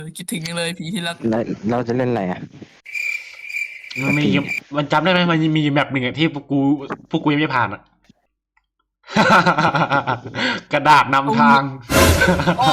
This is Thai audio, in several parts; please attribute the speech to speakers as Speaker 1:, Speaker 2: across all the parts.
Speaker 1: คิดถึงยังเลยผีที่รัก
Speaker 2: แล้วเราจะเล่นอะไรอ่ะ
Speaker 3: มันมีมันจำได้ไหมมันมีแบบหนึ่งอะที่พวกกูยังไม่ผ่านอะ กระดาษนำทาง
Speaker 1: โอ้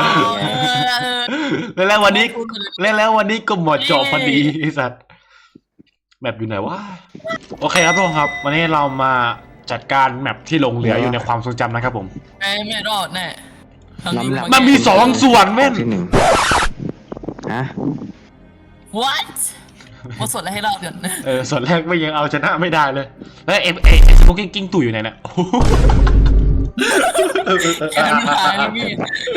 Speaker 3: แล้ววันนี้แล้ววันนี้ก็หมดจบพอดีไอ้สัตว์แบบอยู่ไหนวะโอเคครับทุกคนครับ วันนี้เรามาจัดการแมปที่หลงเหลืออยู่ในความทรงจำนะครับผม
Speaker 1: ไม่รอดแน่ทางนี้
Speaker 3: มันมีสองส่วนแม่น
Speaker 2: ที่หนึ่งฮะ
Speaker 1: what มาสดอะไรให้เราเดี๋ยว
Speaker 3: ส่วนแรกไม่ยังเอาชนะไม่ได้เลย แล้วสโมกกิ้งตู่อยู่ไหนเนี่ย
Speaker 1: แค่นั้นหายเลยพี่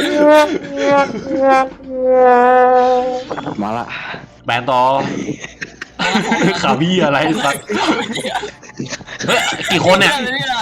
Speaker 2: มาละ
Speaker 3: แบนต่อ ขาวี่อะไรสักเฮ้ยกี่คนเนี่ย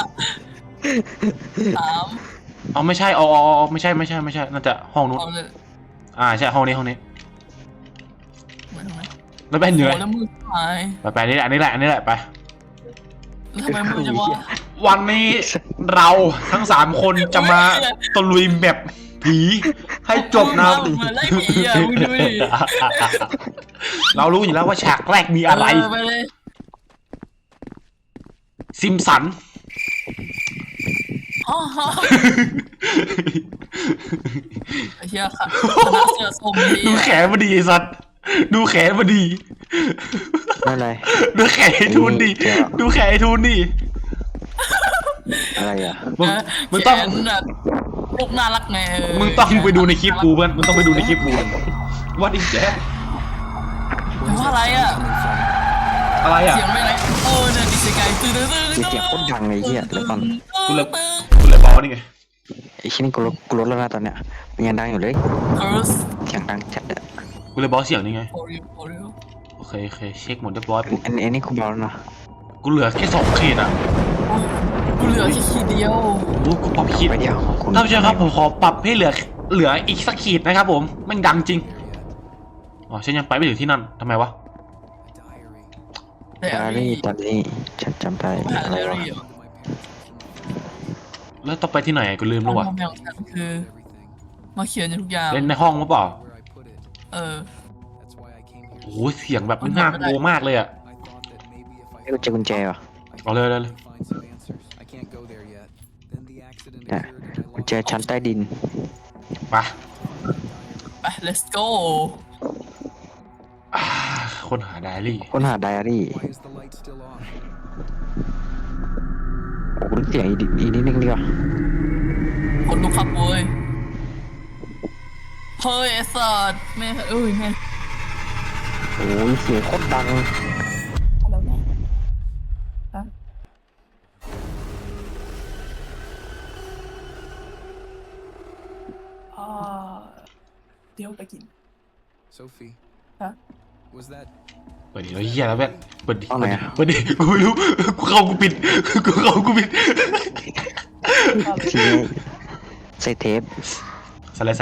Speaker 1: สาม
Speaker 3: เอาไม่ใช่อ๋อไม่ใช่น่าจะห้องนู้น
Speaker 1: เอาเลย
Speaker 3: ใช่ห้องนี้
Speaker 1: เหมือนไหม
Speaker 3: แล้วแบนอยู่ไหน
Speaker 1: แล้วมือหาย
Speaker 3: ไปนี่แหละอันนี้แหละไป
Speaker 1: แล้วทำไมมือจะวะ
Speaker 3: วันนี้เราทั้ง3คนจะมาตะลุยแบบผีให้จบนะ
Speaker 1: เหมือนไล่ผีอ่ะมึงดูดิ
Speaker 3: เรารู้อยู่แล้วว่าฉากแรกมีอะไร
Speaker 1: ไปเลย
Speaker 3: ซิมสัน
Speaker 1: อ๋อไอ้เหี้ยค่ะคณะเสือสมดี
Speaker 3: ดูแขนมาดีไอ้สัตว์ดูแขนมาดี
Speaker 2: นั่นอะไร
Speaker 3: ดูแขนไอ้ทูนดิดูแขนไอ้ทูนดิ
Speaker 2: อะไรอ่ะ
Speaker 3: มึงต้อง
Speaker 1: แบบลูกน่ารักไง
Speaker 3: มึงต้องไปดูในคลิปกูเพื่อนมึงต้องไปดูในคลิปกูว่าดิแจ๊
Speaker 1: ว่าอะไรอ่ะ
Speaker 3: อะไรอ่ะ
Speaker 1: เสียงไม่ไรโอ้เนี่ยดิสกายตื่น
Speaker 2: เสียงโคตรดังเลยเหี้ยแล้วก่อน
Speaker 3: กูเลยบอกนี่ไง
Speaker 2: ไอ้ชิ้นนี้กูลดแล้วนะตอนเนี้ยมันยังดังอยู่เลย
Speaker 1: คอรัส
Speaker 2: เสียงดังจัดอะ
Speaker 3: กูเลยบอกเสียงนี่ไง
Speaker 1: โอริโอริ
Speaker 3: โอเคเช็คหมดเรียบร้อยปุ๊บ
Speaker 2: อันนี้กูเบาแล้วนะ
Speaker 3: กูเหลือแค่2 ขีดอ่ะ
Speaker 1: กูเหลือแค่ขีดเดียว
Speaker 3: โอ้กูปรับขีด
Speaker 2: ไปเดียวคุณ
Speaker 3: ท่านผู้ชมครับผมขอปรับให้เหลืออีกสักขีดนะครับผมแม่งดังจริงอ๋อฉันยังไปไม่ถึงที่นั่นทำไมวะ
Speaker 1: แต่
Speaker 2: ดารี่ตอนนี้ฉันจำได้
Speaker 1: หา
Speaker 2: อะไร
Speaker 1: เด
Speaker 2: วะ
Speaker 1: รี่
Speaker 3: แล้วต้องไปที่ไหนกูลืมแล้ววะ
Speaker 1: ความของฉันคือมาเขียนทุกอย่าง
Speaker 3: เล่นในห้องหรือเปล่า
Speaker 1: เออ
Speaker 3: โอ้โหเสียงแบบน่ากลัวมากเลยอ่ะ
Speaker 2: ให้กูเจอกุญแจวะ
Speaker 3: เอาเลย
Speaker 2: เนี่ยกุญแจชั้นใต้ดิน
Speaker 3: ไป
Speaker 1: ไป let's go
Speaker 3: อ่าคนหาไดอารี่
Speaker 2: ค้นหาไดอารี่โอ้โหเสียงอีกนิดนึงดีกว่า
Speaker 1: คนลุกครับเว้ยเฮ้ยไอ้สัตว์แม่เอ้ยแม่
Speaker 2: โอ้ยเสียงโคตรดัง
Speaker 1: แล้วไงฮะเดี๋ยวไปกิน
Speaker 4: Sophie.
Speaker 1: Huh?
Speaker 4: Was that
Speaker 3: เปิดดิแล้วเฮียแล้วแบบเปิดดิ
Speaker 2: เอาไหนอะ
Speaker 3: เปิดดิกูไม่รู้กูเข้ากูปิด
Speaker 2: ทีนี้ใส่เทป
Speaker 3: ใส่เลย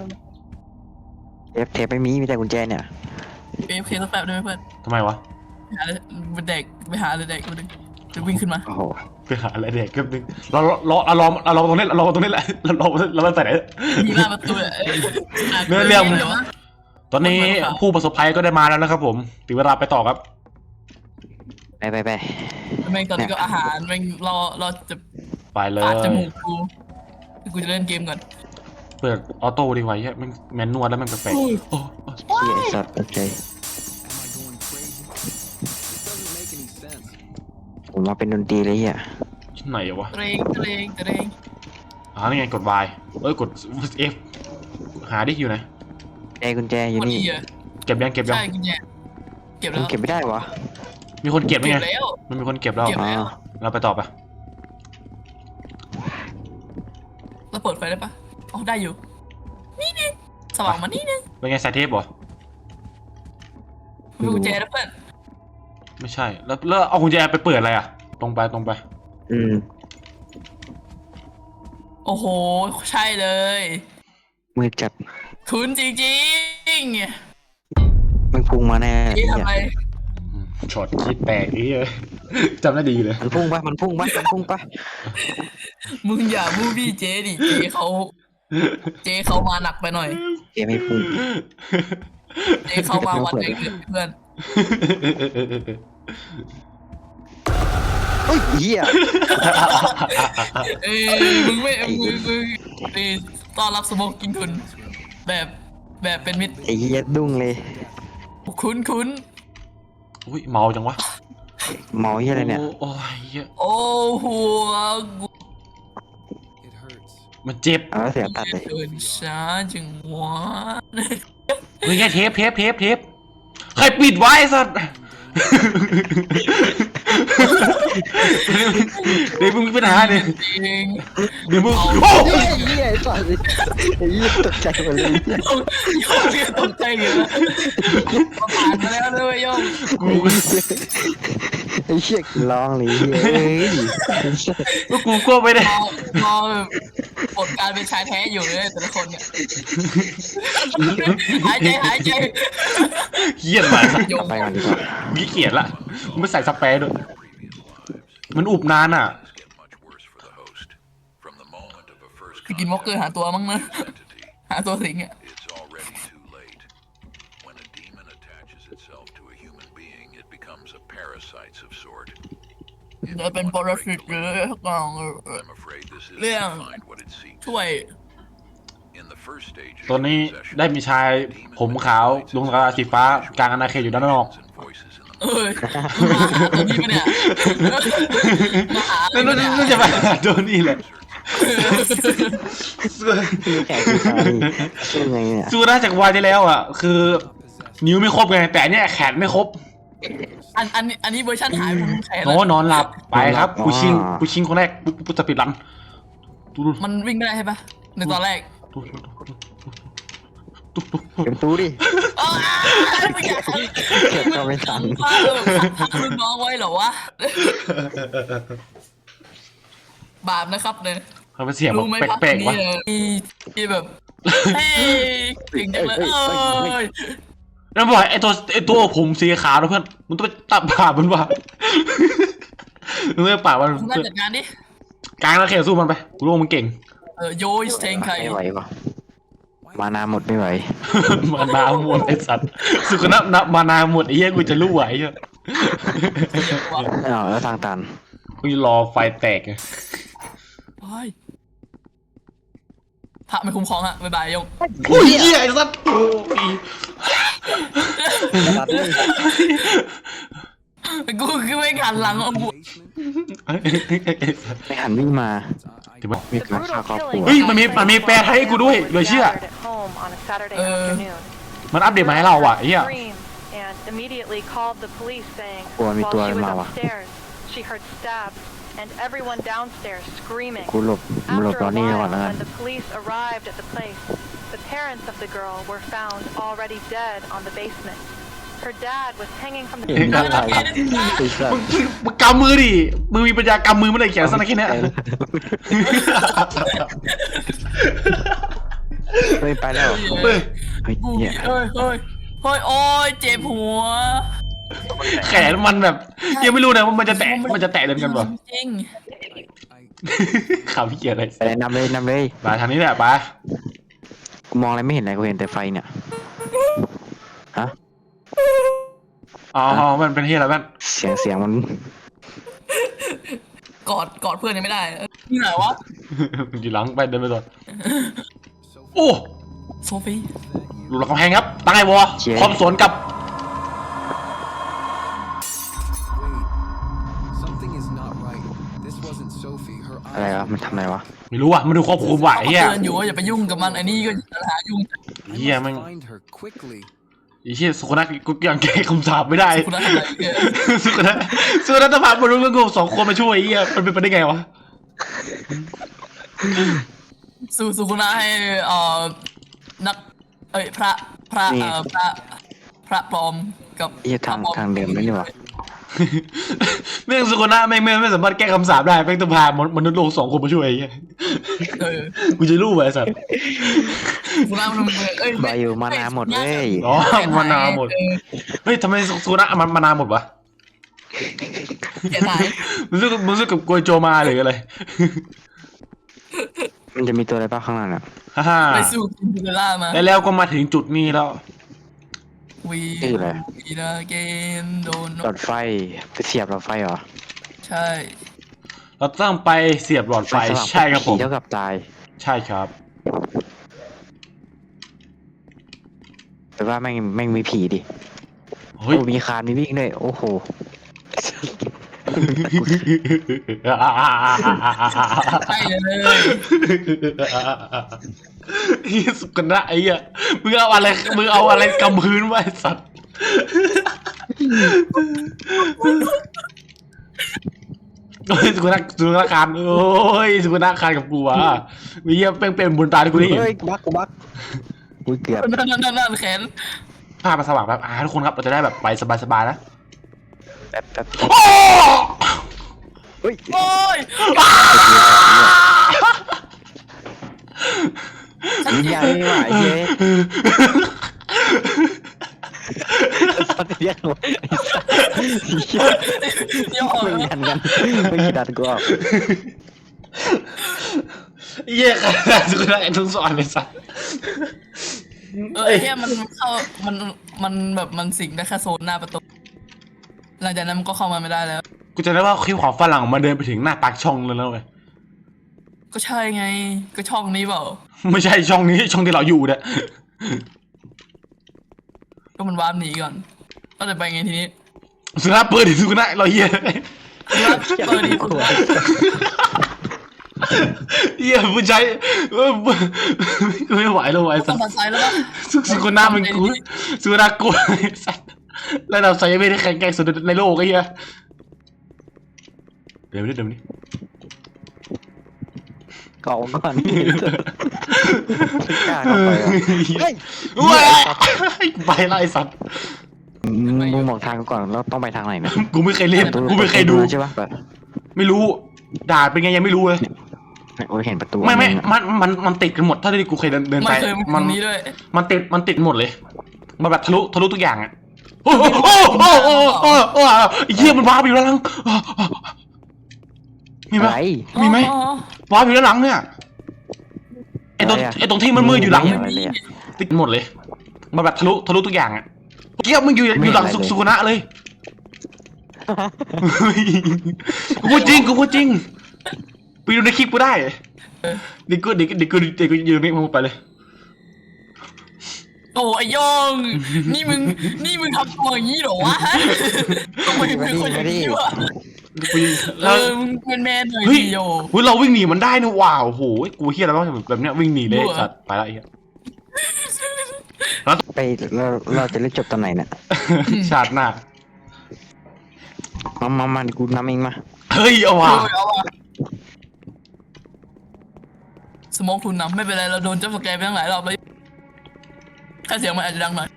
Speaker 2: เทปไม่มีแต่กุญแจเนี่ย
Speaker 1: เอฟเคสักแป๊บได้ไหมเพื่อน
Speaker 3: ทำไมวะ
Speaker 1: ไปหาเลยเด็กไปหาเลยเด็กคนนึงจะวิ่งขึ้นมา
Speaker 2: โอ้โห
Speaker 3: ไปหาอะไรเด็กแป๊บนึงเราตรงนี้แหละเราไปไหน
Speaker 1: มีหน้าประตูเลย
Speaker 3: เรื่องตอนนี้ผู้ประสบภัยก็ได้มาแล้วนะครับผมถึงเวลาไปต่อครับ
Speaker 2: ไป
Speaker 1: แม่งตอนนี้ก็อาหารแม่งรอจะ
Speaker 3: ไปเลย
Speaker 1: ปาดจมูกกูจะเล่นเกมก่อน
Speaker 3: เปิดออโต้ดีกว่าแม่งแมนนวลแล้วแม่งแปลก
Speaker 1: อุ้ย
Speaker 3: ๆโอ้
Speaker 2: เฮียไอ้สัตว์โอเค
Speaker 4: am I going crazy? This doesn't make any sense.
Speaker 2: ผมมาเป็นดนตรีเลยเฮีย
Speaker 3: ที่ไหนวะ
Speaker 1: เตรง
Speaker 3: นี่ไงกด Y กด F หาดิอยู่ไหน
Speaker 2: กุญแจอยู่
Speaker 1: คน
Speaker 2: นี่
Speaker 1: อีอ่ะ
Speaker 3: เก็บยัง
Speaker 1: ใช่กุญแจเก็บ
Speaker 2: มั
Speaker 1: แล้
Speaker 2: น
Speaker 1: ว
Speaker 2: เก็บไม่ได้วะ
Speaker 3: มีคนเก็บไหม
Speaker 1: เก็
Speaker 3: ไง
Speaker 1: บแล้ว
Speaker 3: มันมีคนเก็บแล้ว
Speaker 1: เก็บ
Speaker 2: อ๋อ
Speaker 3: เราไปต่อไป
Speaker 1: เราเปิดไฟได้ปะอ๋อได้อยู่นี่นึงสว่างมานี่นึง
Speaker 3: เป็นไงใส่เทปเหรอ
Speaker 1: มีกุญแจแล้วเพื่อน
Speaker 3: ไม่ใช่แล้วเอากุญแจไปเปิดอะไรอ่ะตรงไป
Speaker 2: อืม
Speaker 1: โอ้โหใช่เลย
Speaker 2: มือจัด
Speaker 1: คุณจริง
Speaker 2: มันพุ่งมาแน่
Speaker 1: ๆนี่
Speaker 2: เฮี
Speaker 1: ทำ
Speaker 2: ย
Speaker 1: ไม
Speaker 3: ช็อตคิดแตกนี่เลยจำได้ดีเลย
Speaker 2: มันพุ่งปะ
Speaker 1: มึงอย่ามูบี้เจดิเจเขามาหนักไปหน่อย
Speaker 2: เกมไม่พูด
Speaker 1: เอ้เข้ามาวันเองเพื่อน
Speaker 2: เฮ้ยเหี้ย
Speaker 1: เอ้มึงไม่มึงต้อนรับสโมกกินคุณแบบเป็นมิตร
Speaker 2: ไอ้เหี้ยดุ้งเลย
Speaker 1: คุ้น
Speaker 3: อุ้ยเมาจังวะ
Speaker 2: เมาเหี้ยอะไรเนี่ย
Speaker 3: โอ้ยเหี้ย
Speaker 1: โอ้หัวกู
Speaker 4: It hurts.
Speaker 3: มันเจ็บ
Speaker 2: เอาแล้วเสียงตัดเลย
Speaker 1: เดินช้าจังวะ
Speaker 3: เฮ้ยแค่เทปใครปิดไว้สัตว์เดี๋ยวมึงมีปัญหาเนี่ย
Speaker 1: จริง
Speaker 3: เดี๋ยวมึง
Speaker 1: เอา
Speaker 3: โอ้
Speaker 2: เหี้ยเหี้ยไอ้สัสไอ้เหี้ยตกใจหมดเลย
Speaker 1: โยงตกใจอยู่แล้วผ่านมาแล้วด้วยโยง
Speaker 3: กู
Speaker 2: ไอ้เหี้ยร้องเลยเฮ้ย
Speaker 3: กูก็ไม่ได้
Speaker 1: พอแบบบทการเป็นชายแท้อยู่เลยแต่ละคนเนี่ยหายใจ
Speaker 3: เหี้ยมาสัตว์
Speaker 1: โย
Speaker 2: กลั
Speaker 1: ง
Speaker 2: บไปก่อนดีกว่า
Speaker 3: ขี้เกียจละมึงไม่ใส่สเปรย์ด้วยมันอุบนานอ่ะ
Speaker 1: ไปกินวอลเกอร์หาตัวมั้งนะหาตัวสิงอ่ะ
Speaker 5: It's already too late. When a demon attaches itself to a human being, it becomes a parasite of sort.
Speaker 1: จะเป็นปรสิตหรือก็
Speaker 5: I'm afraid this is
Speaker 1: Liang.
Speaker 5: to find what it seeks.
Speaker 1: ช่วย
Speaker 5: In the first stage of
Speaker 3: ตอนนี้
Speaker 5: possession,
Speaker 3: ได้มีชายผมขาวลุงกระดาษสีฟ้ากลางอาณาเขตอยู่ด้านนอก
Speaker 5: and voices in the
Speaker 1: เอ้ยมาหาตัวนี้ปะเนี่ยมาหา
Speaker 3: นั่น
Speaker 1: ปะเนี่ย
Speaker 3: จะมาหาโดนี่แหละ
Speaker 2: มีแขกผู้ชายสู้ไงเนี่ย
Speaker 3: สู้ได้จากวายที่แล้วอ่ะ คือนิ้วไม่ครบไงแต่อันเนี้ยแขนไม่ครบ
Speaker 1: อันนี้เวอร์ชันหายผมใช้
Speaker 3: โอ้
Speaker 1: แล้ว
Speaker 3: นอนหลับไปครับกูชิงคนแรกกูจะปิดรันดู
Speaker 1: มันวิ่งไม่ได้ใช่ปะในตอนแรก
Speaker 2: เก็บตู้ดิ
Speaker 1: อ้าวไม่อยาก
Speaker 2: เก็บก็ไม่ทัน
Speaker 1: พารุ่นน้องไว้เหรอวะบาปนะครับเนี่ย
Speaker 3: เขาเป็นเสียง
Speaker 1: รู้ไหม
Speaker 3: แบบ
Speaker 1: พัก
Speaker 3: แปลกๆ
Speaker 1: นี้
Speaker 3: วะ
Speaker 1: ที่แบบเฮ้ยเก่งจังเลยเอ้ย
Speaker 3: แล้วบอกไอ้ตัวผมสีขาวนะเพื่อนมึงต้องไปตัดผ่ามันว่ะมึงไม่ป่ามัน
Speaker 1: คุณน่าจัดการดิ
Speaker 3: กลางแล้วเขตสู้มันไปกูรู้ว่ามึงเก่ง
Speaker 1: โยยสเตงไข่
Speaker 2: ไม่ไหวปะมานาหมดไม่ไหว
Speaker 3: มานาหมดไอ้สัตว์สุขนับมานาหมดไอ้เหี้ยกูจะรู้ไหวเหี้ย
Speaker 2: อ้าวแล้วทางตัน
Speaker 3: กูจะรอไฟแตกไง
Speaker 1: ไปพระไม่คุ้มครองอะบ๊ายบายยง
Speaker 3: โอ้ยเหี้ยไอ้สัตว์โอ้ย
Speaker 2: ตัดเลย
Speaker 1: กูคือไม่หันหลังเอาบุ
Speaker 4: Basement.
Speaker 2: ไม่หันวิ่งมา
Speaker 3: เดี๋ยวมัน
Speaker 2: มีการฆ่าครอบครัว
Speaker 3: เฮ้ยมันมีแปลไทยให้กูด้วยเหลือเชื่อ มันอัปเดตมาให้เราอ่ะไอ้เหี้ย
Speaker 6: And immediately called the police saying
Speaker 2: Ủa,
Speaker 6: while
Speaker 2: mi tua
Speaker 6: she was
Speaker 2: màu à?
Speaker 6: upstairs, she heard stabs and everyone downstairs screaming.
Speaker 2: กูหลบ
Speaker 6: After
Speaker 2: ตอน
Speaker 6: a
Speaker 2: นี้ก่อ
Speaker 6: while,
Speaker 2: นแล้วกัน
Speaker 6: when the police arrived at the place, the parents of the girl were found already dead on the basement. Her dad was hanging from the
Speaker 2: เห็นอะไรไอ้สัส
Speaker 3: มึงกำมือดิมึงมีปัญญากำมือไม่ได้แขนสั้นแค่เนี้ย
Speaker 2: เฮ้ยไปแล้ว
Speaker 3: เฮ้ย
Speaker 2: เฮ้ย
Speaker 1: กู
Speaker 2: เนี่ย
Speaker 1: เฮ้ยโอ้ยเจ็บหัว
Speaker 3: แขนมันแบบยังไม่รู้นะว่ามันจะแตะเดินกันป่ะ
Speaker 1: จริง
Speaker 3: ข่าวพี่เกียร์อะไร
Speaker 2: ไปเลยนำเลย
Speaker 3: มาทางนี้แหละไป
Speaker 2: กูมองอะไรไม่เห็นอะไรกูเห็นแต่ไฟเนี่ยฮะ
Speaker 3: อ๋อมันเป็นเฮียอะไรบ้าง
Speaker 2: เสียงมัน
Speaker 1: กอดเพื่อนยังไม่ได้นี่ไหนวะ
Speaker 3: อยู่หลังไปเดินไปก่อนโอ้
Speaker 1: โซฟี
Speaker 3: ดูหลังกำแพงครับตั้งไอ้วอพร้อมสวนกับ
Speaker 4: Wait. Something is not right. This wasn't Sophie. Her
Speaker 2: อะไรวะ
Speaker 4: eyes.
Speaker 2: มันทำอะไรวะ
Speaker 3: ไม่รู้อ่ะมันดูควบคุมไหวเฮีย
Speaker 1: เตือนอยู่ว่าอย่าไปยุ่งกับมันไอ้นี่ก็หายุ่ง
Speaker 4: I
Speaker 3: Yeah,
Speaker 4: must
Speaker 3: man.
Speaker 4: find her quickly.
Speaker 3: ไอ้เฮียสุขนักกูยังแก้คำสาปไม่ได้
Speaker 1: คุณทำอะไรเกิน
Speaker 3: สุขนักจะพามารู้เรื่องกูสองคนมาช่วยไอ้เฮียมันเป็นไปได้ไงวะ
Speaker 1: สุคุณาให้นักพระพระปลอมกับ
Speaker 2: ไอ้ทางเดิมนั่นนี่วะ
Speaker 3: แม่งสุขนักไม่สามารถแก้คำสาปได้แม่งต้องพามนุษย์โลกสองคนมาช่วยไอ้เฮียกูจะรู้ไว้สัตว์
Speaker 1: คุณามัน
Speaker 2: บาอยู่มานาหมดเว้ย
Speaker 3: อ๋อมานาหมดเฮ้ยทำไมสุขนักมันมานาหมดวะ
Speaker 1: เสียหาย
Speaker 3: มึงรู้สึกกับกวยโจมาหรืออะไร
Speaker 2: มันจะมีตัวอะไรบ้างข้างหลังอ่ะ
Speaker 3: ฮ่าฮ่า
Speaker 1: ไปสู้กินเวล่ามา
Speaker 3: แล้วก็มาถึงจุดนี้แล้ว
Speaker 1: วีนาเกนโดน
Speaker 2: หลอดไฟไปเสียบหลอดไฟเหรอ
Speaker 1: ใช่
Speaker 3: เราต้องไปเสียบหลอดไฟ
Speaker 2: สว่าง
Speaker 3: ใช่ครับผม
Speaker 2: ผีเท่ากับตาย
Speaker 3: ใช่ครับ
Speaker 2: แต่ว่าแม่งมีผีดิ
Speaker 3: เฮ้ย
Speaker 2: โอ้มีคานมีวิ่งด้วยโอ้โห
Speaker 1: ใช่เลย
Speaker 3: เฮียสุกนะไอ้เหี้ยมึงเอาอะไรกำพื้นไว้สัตว์โอ้ยสุกนะคานโอ้ยสุกนะคานกับกูอ่ะมีเหี้ยเป็นบุญตาที่กูได้เห็น
Speaker 2: เฮ้ยบักกูเกือบ
Speaker 1: นั่นแขน
Speaker 3: ภาพมันสว่างแบบทุกคนครับเราจะได้แบบไปสบายๆนะ
Speaker 2: แป๊บ
Speaker 3: โอ้
Speaker 2: เฮ้ย
Speaker 1: โอ้ย
Speaker 2: วิญญาณไม่ไหวเย้ตอนเรียกหนู
Speaker 1: เดี๋ยวออก
Speaker 2: ไม่ยันกันไม่คิดดันกูออก
Speaker 3: เหี้ยขนาดสุกนะไอ้ทุกสอนเลยสัตว์
Speaker 1: แค่มันเข้ามันแบบมันสิงได้แค่โซนหน้าประตูหลังจากนั้นมันก็เข้ามาไม่ได้แล้ว
Speaker 3: กูจะได้ว่าคลิปของฝรั่งมันเดินไปถึงหน้าปากช่องเลยแล้วเว้ย
Speaker 1: ก็ใช่ไงก็ช่องนี้เปล่า
Speaker 3: ไม่ใช่ช่องนี้ช่องที่เราอยู่เนี่ย
Speaker 1: ก็มันวาร์ปหนีก่อนก็จะไปไงทีนี้
Speaker 3: สุนัขเปิดดิสุนัขเราเหี้ย
Speaker 1: เปิดดีสุด
Speaker 3: เหี้ยผู้ชายกูไม่ไหวแล้วไอ้
Speaker 1: ต้
Speaker 3: สั
Speaker 1: อง
Speaker 3: ส
Speaker 1: ตัดสายแล้วปะ
Speaker 3: สุนัขมันกูสุนัขกูไอ้สัสแล้วเราใส่ไม่ได้แข็งแกร่งสุดในโลกไอ้เหี้ยเดี๋ยวนี้
Speaker 2: เกาก่อนกล้าเข้าไปอ่ะเฮ้ย
Speaker 3: ว้ายไปแล้วไอ้สัส
Speaker 2: มึงบอกทางก่อนแล้วต้องไปทางไหนนะ
Speaker 3: กูไม่เคยเล่นกูไม่เคยดู
Speaker 2: ใช่ปะแบบ
Speaker 3: ไม่รู้ด่าเป็นไงยังไม่รู้เลย
Speaker 2: โอ้ยเห็นประตู
Speaker 3: ไม่มันติดกันหมดเท่าที่กูเคยเดินไป
Speaker 1: ไม่เคยมันนี้ด้วย
Speaker 3: มันติดหมดเลยมันแบบทะลุทุกอย่างอ่ะโอ้โหไอ้เหี้ยมันว้าไปอยู่แล้วหลังมีไหม
Speaker 2: อะไร
Speaker 3: มีไหม
Speaker 1: อ๋อ
Speaker 3: ว้าไปอยู่แล้วหลังเนี่ยไอ้ตรงที่มันมืดอยู่หลัง
Speaker 2: อะไรเลยอะ
Speaker 3: ติดหมดเลยมันแบบทะลุทุกอย่างอ่ะเกี้ยมึงอยู่หลังสุกนะเลยกูพูดจริงไปดูในคลิปกูได้เด็กกูยืนนี่มึงไปเลย
Speaker 1: โอ้ไอ้ยองนี่มึงทำตัวอย่างนี้เหรอวะทำไมมึงเป็นคนอย่างนี้วะ มึงเป็นแมนหน่อย
Speaker 3: เฮ้ย
Speaker 1: ดิโย
Speaker 3: เราวิ่งหนีมันได้นะว้าวโหกูเฮียแล้วแบบเนี้ยวิ่งหนีเลยสัตว์ไปแล้วไอ้เหี้ย
Speaker 2: ไปเราจะเล่นจบตอนไหนเนี่ย
Speaker 3: ชาติหน้า
Speaker 2: มากูนำเองมา
Speaker 3: เฮ้ยเอาว่ะ
Speaker 1: เอาว่ะสโมองคุณนำไม่เป็นไรเราโดนจับสแกร์ไปตั้งหลายรอบแล้วแค่เสียงมันอาจจะดังหน่อย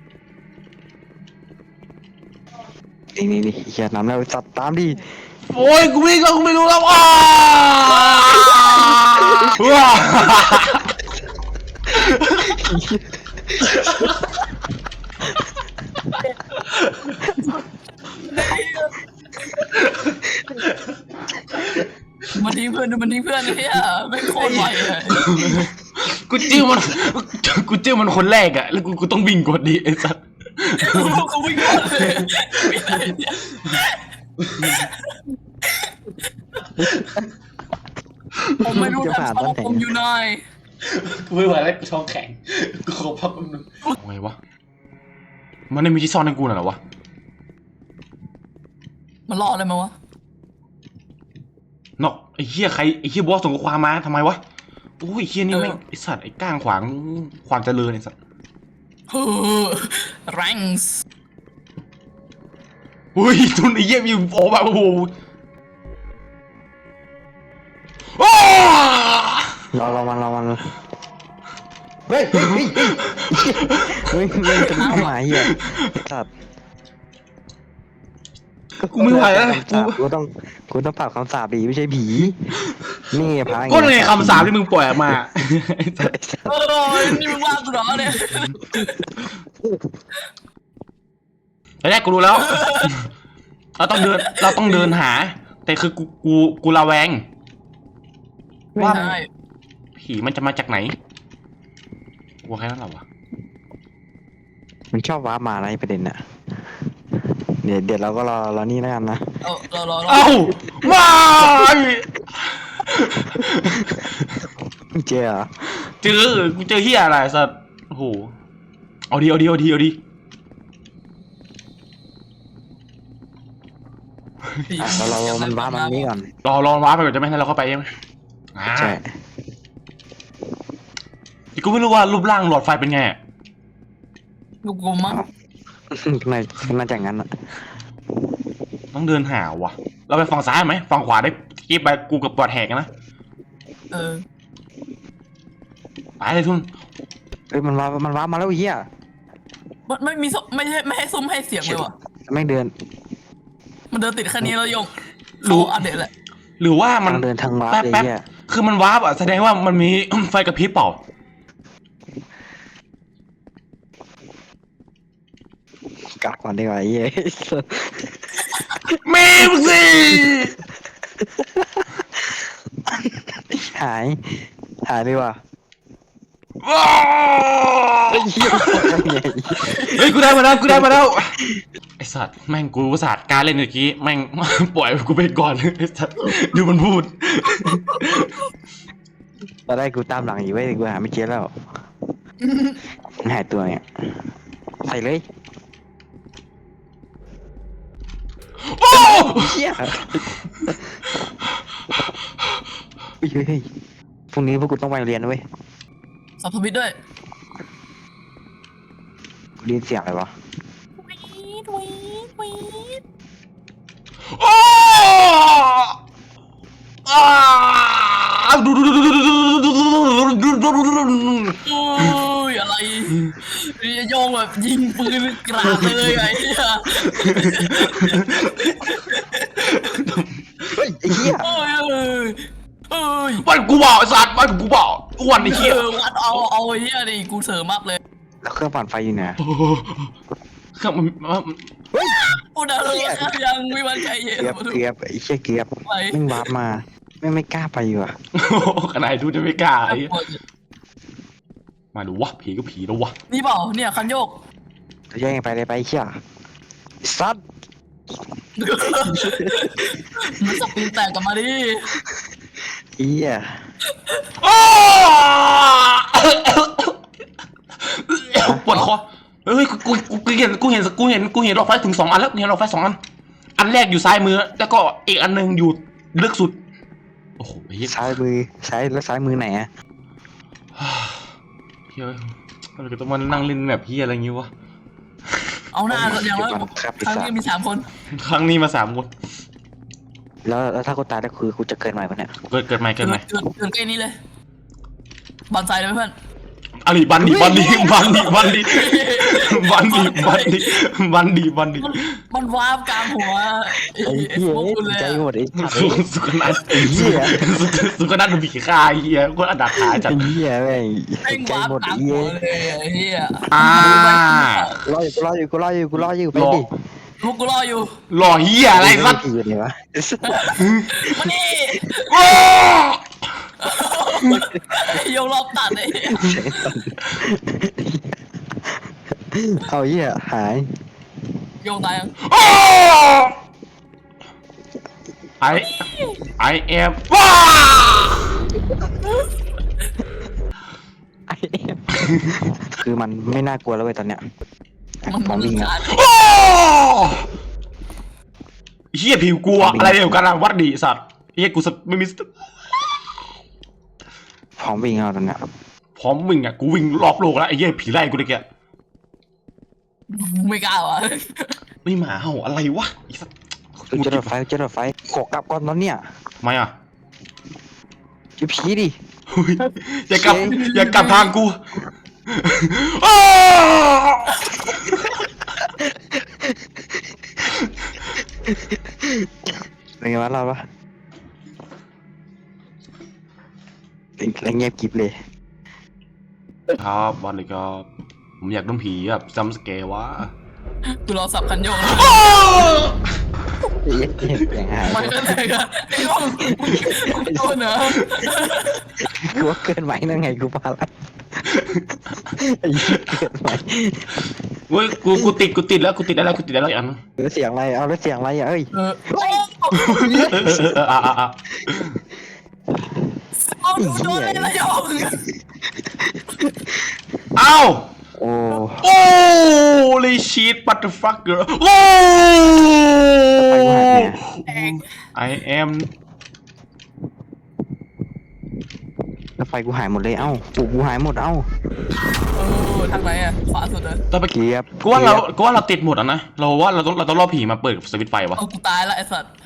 Speaker 2: นี่เขียนนำแล้วจัดตามดิ
Speaker 3: โอ้ยกูวิ่งแล้วกูไม่รู้แล้วว้าว้า
Speaker 1: มันทิ้งเพื่อนเนี่ยไม่โคตรไหวเลย
Speaker 3: กูจิ้มมันคนแรกอะแล้วกูต้องวิ่งกดดิไอ้สัส
Speaker 1: เขาวิ่งก่อนเลยไม่ได้เนี่ยผมไม่รู้ทำช่องผมอยู่ไหน
Speaker 3: กูไม่ไหวแล้วกูท้องแข็งกูขอพักแป๊บนึงไงวะมันไม่มีที่ซ่อนให้กูน่ะเหรอวะ
Speaker 1: มันรออะไรมาวะ
Speaker 3: นอกไอ้เหี้ยใครไอ้เหี้ยบอสส่งข้อความมาทำไมวะโอ้ยไอ้เหี้ยนี่แม่งไอ้สัตว์ไอ้ก้างขวางความเจริญไอ้สัตว์
Speaker 1: แรงส์
Speaker 3: อุ้ยทุนไอ้เหี้ยมีโอ้แบบโอ้โหโอ้
Speaker 2: รอมันเฮ้ยจะเข้ามาเหี้ยจัด
Speaker 3: กูไม่ไหวแล้ว
Speaker 2: กูต้องปรับคำสาปดีไม่ใช่ผีนี่พา
Speaker 3: ก็เลยคำสาปที่มึงปล่อยออกมา
Speaker 1: โอ้ยนี่มึงว่ากูเหรอเนี่ย
Speaker 3: แรกกูรู้แล้ว เราต้องเดินหา แต่คือกูระแวง
Speaker 1: ไม่
Speaker 3: ว่า
Speaker 1: ใช่
Speaker 3: ผีมันจะมาจากไหนกลัวแค่นั้นเหรอวะ
Speaker 2: มันชอบว้ามาอะไรประเด็นน่ะเดี๋ยวเราก็รอนี่แล้วกันนะ
Speaker 1: รอ
Speaker 3: เอ้าไม่
Speaker 2: เจอเหรอ
Speaker 3: กูเจอเฮียอะไรสัตว์โอ้โหเอาดี
Speaker 2: เรามันว้ามันนี่ก่อน
Speaker 3: รอว้าไปก่อนจะไม่ให้เราเข้าไปใช่ไหม
Speaker 2: ใช่
Speaker 3: กูไม่รู้ว่ารูปร่างหลอดไฟเป็นไง
Speaker 1: กูมั้ง
Speaker 2: น่าจะงั้นอ่ะ
Speaker 3: ต้องเดินหาวะเราไปฝั่งซ้ายไหมฝั่งขวาได้กิ๊บไปกูกับปอดแหกนะ ไปเลยทุน
Speaker 2: เฮ้ยมันว้ามาแล้วไอ้เหี้ย
Speaker 1: มันไม่มีไม่ให้ซุ้มให้เสียงเลยว่ะ
Speaker 2: แม่งเดิน
Speaker 1: มันเดินติดแค่นี้แล้วยงรู้อัปเดตแหละ
Speaker 3: หรือว่ามัน
Speaker 2: เดินทางว้า
Speaker 3: แป๊บ
Speaker 2: เลย
Speaker 3: แป๊บ
Speaker 2: เหี้ย
Speaker 3: คือมันวาร์ปอ่ะแสดงว่ามันมี ไฟกระพริบเปล่า
Speaker 2: กลับก่อนดีกว่าไอ้เหี้ย
Speaker 3: เมมสิ
Speaker 2: หายดีกว่า
Speaker 3: ว้า
Speaker 2: ไอ้เหี้ย
Speaker 3: เฮ้ยกูได้มาแล้วไอสัตว์แม่งกูอุตส่าห์การเล่นเมื่อกี้แม่ง ปล่อยกูไปก่อนไอสัตว์ดูมันพูด
Speaker 2: ตอนแรกกูตามหลังอยู่เว้ยกูหาไม่เจอแล้วหายตัวเนี่ยใส่เลย
Speaker 3: โอ้
Speaker 2: เหี้ยเฮ้ยพรุ่งนี้พวกกูต้องไปเรียนนะเว้ย
Speaker 1: สับทวิตด้วย
Speaker 2: กูได้ยินเสียงอะไรวะ
Speaker 3: โอ้ดู
Speaker 1: โอ้ยอะไรโยงแบบยิงปืนกราดเลยไอ้เหี้ย
Speaker 2: เฮ้ยไอ้เหี้ย
Speaker 1: โอ้ย
Speaker 3: บ้านกูเปล่าไอสัตว์บ้านกูเปล่าอ้วนไอ้เหี้ย
Speaker 1: วัดเอาไอ้เหี้ยนี่กูเสริมมากเลย
Speaker 2: แล้วเครื่องปั่นไฟอยู่ไหน
Speaker 3: เครื่องมัน
Speaker 1: กูเดินยังไม่มั่นใจเย็น
Speaker 2: เกือบไอ้เหี้ยเกือบ
Speaker 1: ไป
Speaker 2: แม่งวาร์ปมาไม่กล้าไปอยู่อ่ะ
Speaker 3: ขนาดดูจะไม่กล้าไอ้มาดูวะผีก็ผีแล้ววะ
Speaker 1: นี่เปล่าเนี่ยคันโยก
Speaker 2: จะแย่งไปเลยไปเชี่ยซัด
Speaker 1: มันสปินแตกกลับมาดิ
Speaker 2: เหี้ย
Speaker 3: ปวดคอเฮ้ยกูเห็นหลอดไฟถึง2 อันแล้วเห็นหลอดไฟ2 อันอันแรกอยู่ซ้ายมือแล้วก็อีกอันนึงอยู่ลึกสุดโอ้โหเฮ้ย
Speaker 2: ซ้ายมือไหนอ่ะ
Speaker 3: เฮ้ยเราจะต้องมานั่งเล่นแบบพี่อะไรงี้วะ
Speaker 1: เอาหน้าอย่างแล้วครั้งนี้มี3 คน
Speaker 3: ครั้งนี้มา3 คน
Speaker 2: แล้วถ้ากูตายแล้วคือกูจะเกิดใหม่ปะเนี่ย
Speaker 3: เกิดใหม่
Speaker 1: เกินใกล้นี้เลยบอลไซเลยเพื่อน
Speaker 3: อะไรบันดีมัน
Speaker 1: วาร์ปกลางหัว
Speaker 2: ไอ้เหี้ย
Speaker 1: พวกคุณเลย
Speaker 2: ใจหมดไอ้สัตว์
Speaker 3: สุขนัท
Speaker 2: ไอ้เหี้ย
Speaker 3: สุขนัทดูผีฆ่าเฮียก็อันดับท้ายจัด
Speaker 2: ไอ้เหี้ยแม่ง
Speaker 1: แม่ง
Speaker 2: ใจ
Speaker 1: วาร์ป
Speaker 2: หมด
Speaker 1: กลา
Speaker 2: ไอ้
Speaker 1: งหั
Speaker 2: เหี้
Speaker 1: วย เลยไอ้เหี้ย
Speaker 2: รออยู่ไปดิ
Speaker 1: ลูกกูรออยู่
Speaker 3: หล่อเฮียอะไรสัตว์
Speaker 2: อยู่ไหนวะ
Speaker 1: มานี่โยงรอบตัดไอ้
Speaker 2: เอาเหี้ยหาย
Speaker 1: โยงตายยัง
Speaker 3: I am ว้า
Speaker 2: คือมันไม่น่ากลัวแล้วเว้ยตอนเนี้ยของวิ่งอ่ะ
Speaker 3: เฮียผิวกลัวอะไรเดียวกันวัดดีสัตว์เฮียกูไม่มี
Speaker 2: ของวิ่งเอาตอนเนี้ย
Speaker 3: พร้อมวิ่งอ่ะกูวิ่งรอบโลกแล้วไอ้เฮียผีไล่กูเลยแก
Speaker 1: ไม่กล้าว่ะ
Speaker 3: ไม่หมาเห่าอะไรวะไอ้สัตว์
Speaker 2: จะรถไฟขอกลับก่อนตอนเนี้ย
Speaker 3: ทำไมอ่ะ
Speaker 2: จะผีดิ
Speaker 3: อย่ากลับทางกู
Speaker 2: เป็นไงวะเราปะแล้วเงียบกริบเลย
Speaker 3: ครับวันเลยครับผมอยากโดนผีแบบจำสเกลวะ
Speaker 1: กูรอสับคันโยก
Speaker 2: เสียงหาย
Speaker 1: ไม่ก็เลยอะไอ้ห้องมึงโดนเหรอ
Speaker 2: กูว่าเกินไหวนั่นไงกูพาละไอ้เหี้ยเกินไหว
Speaker 3: เว้ยกูติดแล้วอย่างนึง
Speaker 2: แล้วเสียงอะไรเอาแล้วเสียงอะไรอ่ะเอ้ย
Speaker 1: เอาโดนเลยละยอง
Speaker 3: เอ้า
Speaker 2: โอ้
Speaker 3: โอ้ลิชีตบัตเตอร์ฟักเกอร์โอ้
Speaker 2: ไปกูหายเนี่ย
Speaker 3: I am
Speaker 2: แล้วไฟกูหายหมดเลยเอ้าปูกูหายหมดเอ้า
Speaker 1: ทางไหนอะขวาสุดเลย
Speaker 3: ต่อไป
Speaker 2: เกียบ
Speaker 3: กูว่าเราติดหมดอ่ะนะเราต้องรอผีมาเปิดสวิตช์ไฟวะ
Speaker 1: เอากูตายละไอ้สัตว์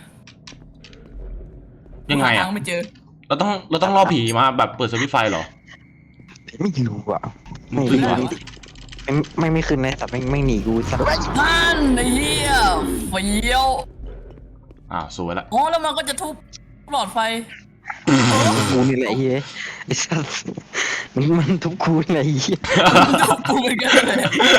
Speaker 3: ยังไง
Speaker 1: ทา
Speaker 3: อ่ะ
Speaker 1: งไม่เจอ
Speaker 3: เราต้องรอผีมาแบบเปิดสวิตช์ไฟเหรอ
Speaker 2: ไม่รู้อ่ะ
Speaker 3: มึงขึ้นวะ
Speaker 2: ไม่ขึ้นเลยแต่ไม่หนีกูสัก
Speaker 1: นั่นไอ้เหี้ยเฟี้ยว
Speaker 3: สวยละ
Speaker 1: อ๋อแล้วมันก็จะทุบหลอดไฟ
Speaker 2: กูนี่แหละไอ้เหี้ยไอ้สัสมันทุบกูนี่แหละไอ้เหี้ย
Speaker 1: ทุบกูเหมือนกันเลย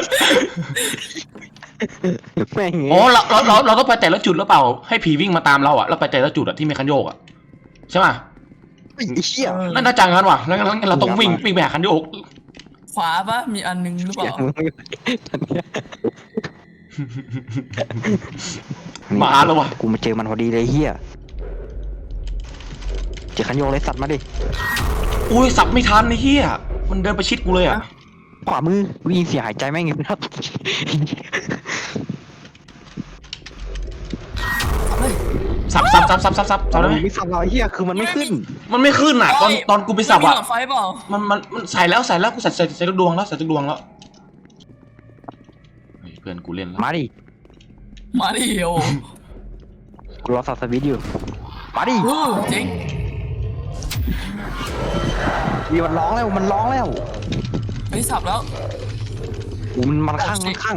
Speaker 2: แม่ง
Speaker 3: อ๋อเราต้องไปแต่ละจุดหรือเปล่าให้ผีวิ่งมาตามเราอ่ะแล้วไปแต่ละจุดอ่ะที่มีคันโยกอ่ะใช่ป่ะ
Speaker 2: ไอ้เหี้ย
Speaker 3: นั่นน่าจังงั้นว่ะงั้นเราต้องวิ่งไปหาคันโยก
Speaker 1: ขวาปะมีอันนึงหรือเปล่า
Speaker 3: มาแล้วว่ะ
Speaker 2: กูมาเจอมันพอดีเลยเหี้ยเจอขันโยกเลยสัตว์มาดิ
Speaker 3: อุ้ยสับไม่ทันไอ้เหี้ยมันเดินประชิดกูเลยอ่ะ
Speaker 2: ขวามือกูยินเสียงหายใจแม่งอยู่นะ
Speaker 3: สับได้ไหม
Speaker 2: ไม่สับเราไอ้เหี้ยคือมันไม่ขึ้น
Speaker 3: มันไม่ขึ้นอ่ะตอนกูไปสับ
Speaker 1: มี
Speaker 3: อ่ะ
Speaker 1: หลอดไฟเปล่า
Speaker 3: มันใส่แล้วกูใส่ทุกดวงแล้วเฮ้ยเพื่อนกูเล่นแล้ว
Speaker 2: มาดิ
Speaker 1: มาดิโอ
Speaker 2: กูรอสับสวิตช์อยู่มาดิ
Speaker 1: จริง
Speaker 2: มีมันร้องแล้ว
Speaker 1: ไอ้สับแล้ว
Speaker 2: มันข้างนี่คือ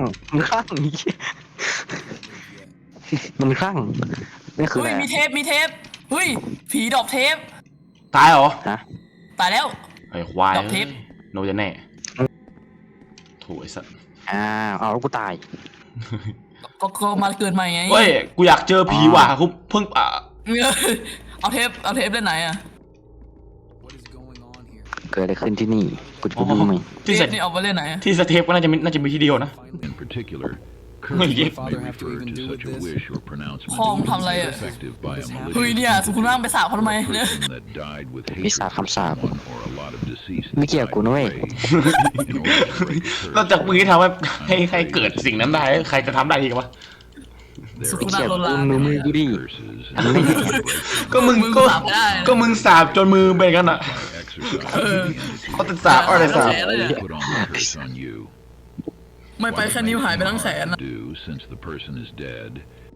Speaker 2: อะไร
Speaker 1: เฮ้ยมีเทปเฮ้ยผีดอกเทป
Speaker 3: ตายเหรอ
Speaker 2: ฮะ
Speaker 1: ตายแล้ว
Speaker 3: ไอ้ควาย
Speaker 1: ดอกทิพย์
Speaker 3: โนจะแน่โถ่ไอ้สัส
Speaker 2: เอาแล้วกูตาย
Speaker 1: ก็มาเกิดใหม่ไง
Speaker 3: เฮ้ยกูอยากเจอผีว่ะกูเพิ่ง
Speaker 1: เอาเทปเล่นไหนอะ
Speaker 4: What is going on here?
Speaker 2: เกิดอะไรขึ้นที่นี่กูจะดูมั้ย
Speaker 1: เทปนี่เอาไปเล่นไหนอะ
Speaker 3: ที่สเทปก็น่าจะมีที่เดียวนะ
Speaker 5: In particular,
Speaker 3: Well,
Speaker 5: curses
Speaker 3: yeah.
Speaker 5: may
Speaker 4: Father have to
Speaker 5: refer
Speaker 4: even
Speaker 5: to
Speaker 4: do
Speaker 5: such
Speaker 4: with
Speaker 5: a
Speaker 4: this?
Speaker 5: wish or pronouncement
Speaker 1: Phong
Speaker 5: as
Speaker 1: thầm lại ạ.
Speaker 5: effective by a
Speaker 1: เฮ้ย
Speaker 5: malicious
Speaker 1: เนี่ยสุขุมว่างไปสาบเขาทำไมเนี่ย
Speaker 5: person that died with
Speaker 2: วิ
Speaker 5: hatred
Speaker 2: สาคำสาป
Speaker 5: for one or a lot of deceased
Speaker 2: ไม่เกี่ยวกูนะเว้ย
Speaker 5: in order to break curse.
Speaker 3: นอกจากมึงที่ทำให้ใครเกิดสิ่งนั้นได้ใครจะทำได้อีกวะ
Speaker 5: There
Speaker 1: สุขุม
Speaker 5: are
Speaker 1: ว่างโดนลา
Speaker 2: มือกูดิ
Speaker 5: curses
Speaker 3: ก็มึง
Speaker 1: มึงสาบได้
Speaker 3: ก็มึงสาบจนมือเป็นกันอ่ะ
Speaker 5: exercise
Speaker 3: เขาจะสาบอะไรสาบ
Speaker 5: put on the curse on you.
Speaker 1: ไม่ไปแค่นิ้วหายไปทั้งแขนอะ
Speaker 5: Do since the person is dead.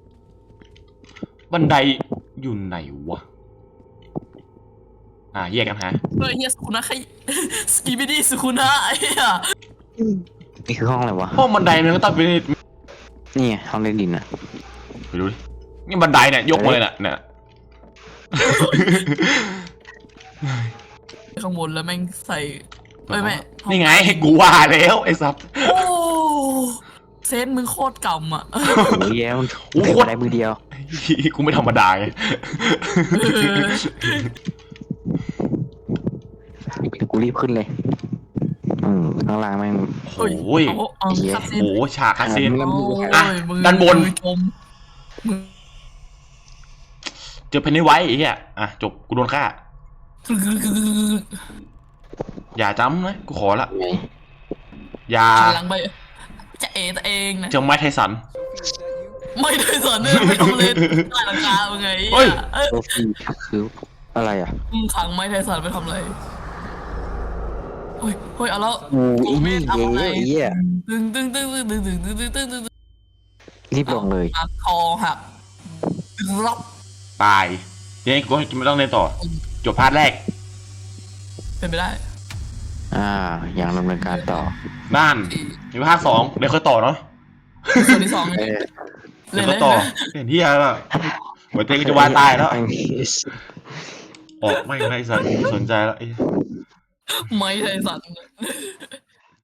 Speaker 3: บันไดอยู่ไหนวะแยกกันฮะ
Speaker 1: เฮ้ยเฮียสุขุนะใครสกีบิดี้สุขุนะไอ้เหี้ย
Speaker 2: นี่คือห้องอะไรวะ
Speaker 3: ห้องบันไดมันก็ต้องเป็น
Speaker 2: นี่ไงห้องเล่นดินนะ
Speaker 3: ไปดูดินี่บันไดเนี่ยยกมาเลยเนี่ย
Speaker 1: ข้างบนแล้วแม่งใส่ไม่
Speaker 3: นี่ไงกูว่าแล้วไอ้สัตว์
Speaker 1: โอ้เซนมึงโคตรกำอ่ะ
Speaker 2: โอ้ยแย่มันเกิดมาได้มือเดียว
Speaker 3: กูไม่ธรรมดาไง
Speaker 2: กูรีบขึ้นเลยข้างล่างแม่ง
Speaker 3: โอ้ย
Speaker 1: เอาคาซิน
Speaker 3: โอ้ฉากคาซีน
Speaker 1: โอ้ย
Speaker 3: อ่ะ
Speaker 1: มือ
Speaker 3: ด้านบน
Speaker 1: มือจมมือ
Speaker 3: เจอเพนนี่ไว้ไอ้เหี้ยจบกูโดนฆ่าอย่าจำนะกูขอละอย่า
Speaker 1: หลังไปจะตัวเองนะ
Speaker 3: เจอไม้ไทสัน
Speaker 4: Sophie, is that you?
Speaker 1: ไม่ได้สอนเนี่ยไม่ต้องเล่นใต้หลังคาเป็นไง
Speaker 3: เฮ้ย
Speaker 2: โซฟีคืออะไรอ่ะ
Speaker 1: มึงขังไม้ไทสันไปทำอะไรเฮ้ยเอาแล้ว
Speaker 2: อีนี่เย่ไอ้เหี้ย
Speaker 1: ตึง
Speaker 2: รีบลงเลย
Speaker 1: คอหักรับ
Speaker 3: ตายยังไงกูไม่ต้องเล่นต่อ จบพาร์ทแรก
Speaker 1: เป็นไปได้
Speaker 2: อย่างดำเนินการต่อ
Speaker 3: บ้านมีพาร์ท2เดี๋ยวค่อยต่อเนาะ
Speaker 1: ส่วนที่สอง
Speaker 2: เออ
Speaker 3: เดี๋ยวค่อยต่อเห็นที่อะไรหัวใจกูจะวายตายแล้วออกไม่สนใจแล้ว
Speaker 1: ไม้ไทสัน